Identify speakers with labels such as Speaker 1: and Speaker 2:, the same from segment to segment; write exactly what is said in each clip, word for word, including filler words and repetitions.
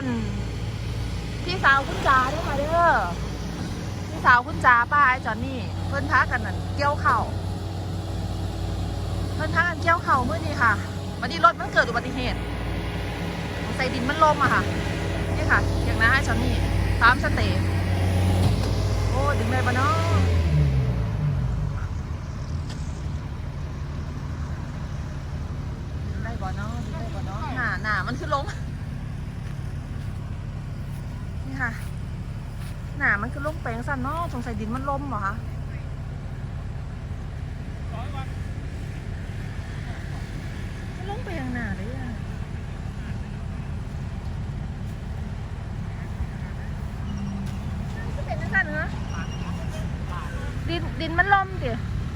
Speaker 1: นพี่สาวคุณจ๋าด้วยค่ะเด้อพี่สาวคุณจ๋าป้าไอ้จอนนี่เพิ่นพากันนั่นเกี่ยวเข่าเพิ่นพากันเกี่ยวเข่าเมื่อนี้ค่ะวันนี้รถมันเกิดอุบัติเหตุใส่ดินมันลมอะค่ะนี่ค่ะอย่างน้าไอ้จอนนี่ตามสเตย์โอ้ดึงได้ปะเนาะดึงได้ปะเนาะดึงได้ปะเนาะหนาหนามันคือล้มนี่ค่ะหนามันคือล้มแปลงสั่นเนาะสงสัยดินมันล้มเหรอคะมันล้มไปยังหนาเลยอะก็เป็นสั่นเหรอดินดินมันล้มดิ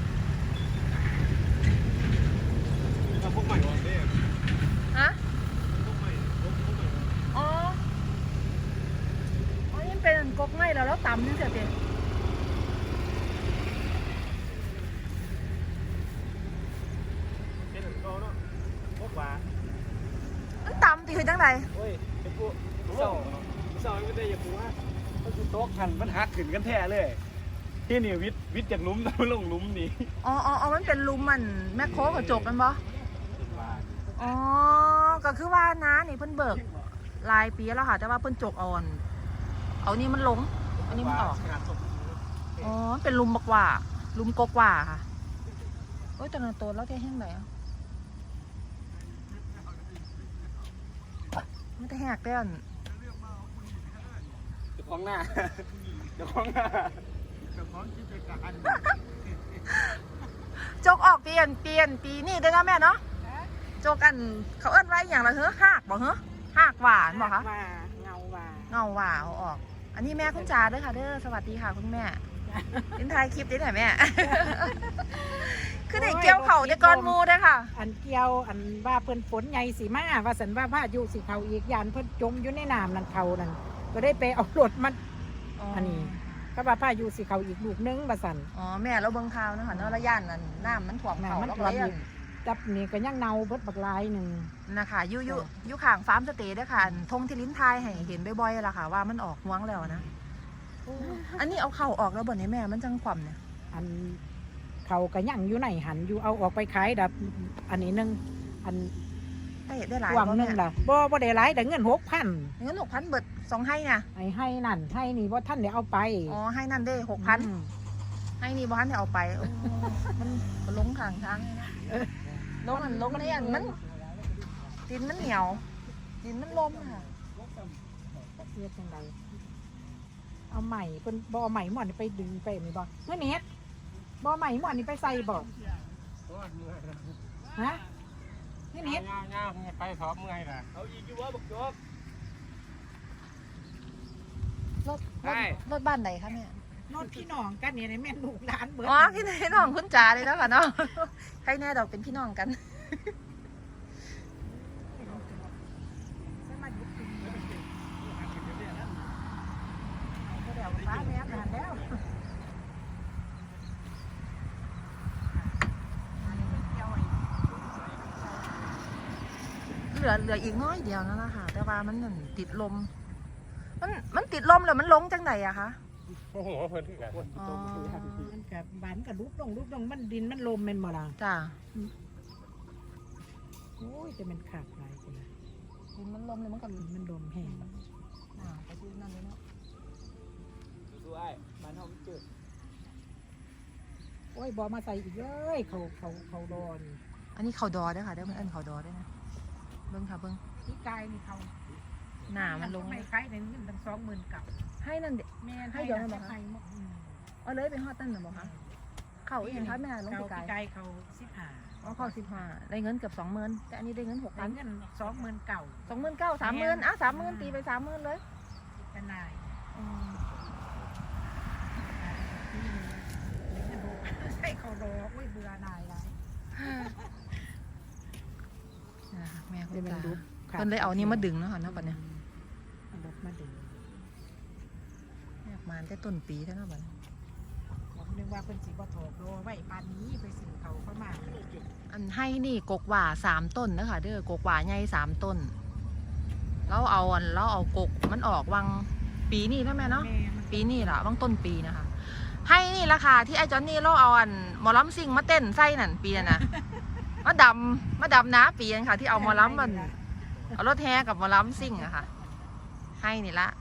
Speaker 2: พวกใหม่วางได้ยัง
Speaker 1: ฮะ
Speaker 2: พวกใหม่พวกใหม่
Speaker 1: อ๋ออ๋อยังเป็นกกไงแล้วแล้วต่ำนี่เสียเปน
Speaker 2: เป็นถึงเขาเนาะพวกว่า
Speaker 1: มันต่ำตีคือจังไร
Speaker 2: โอ้ยไอ้พวกเสาเสาไม่ได้อย่าพูดว่าก็คือโต๊ะหันมันหักขึ้นกันแท้เลยที่นี่วิทย์วิทย์จากลุ้มแล้วลงลุ้มนี่
Speaker 1: อ๋ออ๋อมันเป็นลุมมันแม่โคกระจกกันปะอ๋อก็คือว่าน้านี่เพิ่นเบิกลายปีแล้วค่ะแต่ว่าเพิ่นจกอ่อนเอานี่มันลงอันนี้มันออกอ๋อเป็นลุมบักว่าลุมกกว่าค่ะโอ้ยตอนนั้นโตแล้วแค่แห้งไหนอ่ะไม่ได้แหกเต้น
Speaker 2: เจ้าของหน้าเจ้าของหน้าเจ้าของกิจการ
Speaker 1: จกออกเปลี่ยนเปลี่ยนปีนี่ได้แล้วแม่เนาะจกอันเขาเอิ้นไว้อย่างไรเหรอหากบอกเหรอหากหวานบอกคะ
Speaker 3: เงาหวาน
Speaker 1: เงาหวานเอาออกอันนี้แม่คุณจ๋าด้วยค่ะเด้อสวัสดีค่ะคุณแม่เป็นถ่ายคลิปได้ไหมแม่คือในเกี่ยวเข่าในก้อนมูได้ค่ะ
Speaker 3: อันเกี่ยวอันว่าเพิ่นฝนใหญ่สีมาว่าสันว่าพายุสีเขาอีกยานเพิ่นจมอยู่ในน้ำนั่นเขานั่นก็ได้ไปเอารถมันอันนี้ก็ว่าพายุสีเขาอีกลูกนึงว่าสัน
Speaker 1: อ๋อแม่เราเบิ่งข่าวนะคะเนาะระยะนั้นน้ำมันถ่วงเขาแล้วก็ยัง
Speaker 3: จับนี่ก็ยังเนาเบิดบักลายหนึ่ง
Speaker 1: นะคะยุยุยุข่างฟาร์มสเตย์ด้วยค่ะทงที่ลิ้นทายให้เห็นบ่อยๆละค่ะว่ามันออกห่วงแล้วนะอันนี้เอาเข่าออกแล้วบ่เนี่ยแม่มันจังความเนี่ย
Speaker 3: อันเขาก็ยังอยู่ไหนหันอยู่เอาออกไปขายดับอันนี้นึงอัน
Speaker 1: ได้ได้หลาย
Speaker 3: วังนึงล่ะบ่บ่ได้หลายแต่เงินหกพัน
Speaker 1: เงินหกพันเบิดสองให้เนี่ย
Speaker 3: ไอ้ให้นั่นให้นี่ว่าท่านเดี๋ยวเอาไป
Speaker 1: อ๋อให้นั่นได้หกพันให้นี่บ่ท่านเดี๋ยวเอาไปมันลงทางทางลงอันลงนี่อันมันดินมันเหนียวดินมันล้มค่ะ
Speaker 3: เรียกยังไงเอาใหม่เป็นบ่อใหม่หมอนไปดึงไปมีบ่เมื่อนี้บ่อใหม่หมอนนี่ไปใส่บ่ฮะนี่นิด
Speaker 2: ง่ายๆไปพร้อมไงล่ะเอาอีกอยู่ว่าบักจก
Speaker 1: รถรถบ้านไหนคะแม่
Speaker 3: รถพี่น้องกันเนี่ยแม่ลูกหลานเบิด
Speaker 1: อ๋อพี่น้องคุณจ๋าเลยแล้วค่ะเนาะใครแน่ดอกเป็นพี่น้องกัน
Speaker 3: ฟ้าแม่นานแล้ว
Speaker 1: เหลือเหลืออีกน้อยเดียวนั่นแหละค่ะแต่ว่ามันติดลมมันมันติดลมแล้วมันลงจังไหนอะคะ
Speaker 2: โอ้โหเพิ่นถึงกัน
Speaker 3: มันกับบานกับลุกลงลุกลงมันดินมันลมมันบ่ล่ะ
Speaker 1: จ้า
Speaker 3: โอ้ยแต่มันขาดหลายคน
Speaker 1: ดินมันลมเลยมันกับ
Speaker 3: มันลมแห้ง
Speaker 1: อ่าไปซื้อนั่นเลยเนาะ
Speaker 2: ดูไอ้บ้านเฮาจืด
Speaker 3: โอ้ยบ่มาใส่อีกเลยเขาเขาเขาดอน
Speaker 1: อันนี้เขาดอได้ค่ะได้มันเอิ้นเขาดอได้นะเบิ้งค่ะเบิ้ง
Speaker 3: ที่กายนี่เขา
Speaker 1: หนามันลง
Speaker 3: ไม่คล้ายในเงินตั้งสองหมื่นกับ
Speaker 1: ให้นั่นเด็ก
Speaker 3: แม่ให้เดี๋ยวนั่นบอกคะ
Speaker 1: เอาเลยไปฮอดตั้นหรือบอกคะเข่าอีกอย่างคะแม่ลงที่
Speaker 3: กายเขาสิบห้า
Speaker 1: อ๋อเข่าสิบห้าได้เงินเกือบสองหมื่นแต่อันนี้ได้เงินหกพัน
Speaker 3: เงินสองหมื่นเก่า
Speaker 1: สองหมื่นเก้าสามหมื่นอ่ะสามหมื่นตีไปสามหมื่นเลย
Speaker 3: เป็นนายใช่เขารออุ้ยเบื่อนายแล้ว
Speaker 1: แม่คุณตาคนเลยเอานี่มาดึงแล้วค่ะนะปัจเนี่ย
Speaker 3: รถมาดึง
Speaker 1: แม่มาได้ต้นปีแล้วนะปัจ
Speaker 3: ผมนึกว่าเป็นสีบอถกโลไว้ปานนี้ไปสิเขาเข้ามา
Speaker 1: อันให้นี่กกหว่าสามต้นนะคะเด้อกกหว่าใหญ่สามต้นเราเอาอันเราเอากกมันออกวังปีนี้แล้วแม่เนาะ
Speaker 3: แม่มัน
Speaker 1: ปีนี้ล่ะวังต้นปีนะคะให้นี่ราคาที่ไอ้จอนนี่เราเอาอันหมอลำซิงมาเต้นไส้นั่นปีนั้นนะมาดำมาดำน้าปีนั้นค่ะ ที่เอาหมอลำมันเอารถแห่กับหมอลำซิงอะค่ะ ให้นี่ละ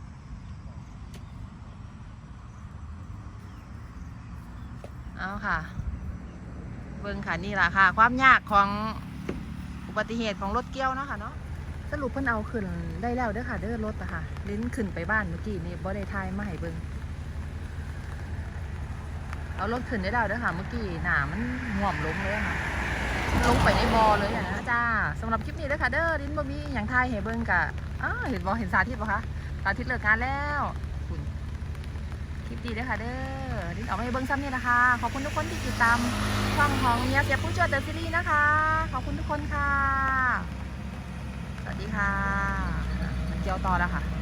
Speaker 1: เอาค่ะ เบิ่งค่ะนี่แหละค่ะ ความยากของอุบัติเหตุของรถเกี้ยวเนาะค่ะเนาะสรุปเพิ่นเอาขึ้นได้แล้วเด้อค่ะเด้อรถอะค่ะลิ้นขึ้นไปบ้านเมื่อกี้นี่บ่ได้ทายมาให้เบิ่งเอารถขึ้นได้แล้วเด้อค่ะเมื่อกี้หนามันห่วมลงเลยอะค่ะลงไปในบ่อเลยอะนะจ้าสำหรับคลิปนี้เด้อค่ะเด้อลิ้นบ่มีอย่างทายให้เบิ่งกะอ้าเห็นบ่เห็นสาธิตบ่คะสาธิตเลิกงานแล้วคุณคลิปดีเด้อค่ะเด้อลิ้นเอามาให้เบิ่งซ้ำนี่นะคะขอบคุณทุกคนที่ติดตามช่องของเมียเสียผู้ช่วยเดอะซีรีส์นะคะขอบคุณทุกคนค่ะสวัสดีค่ะมันเกี่ยวต่อแล้วค่ะ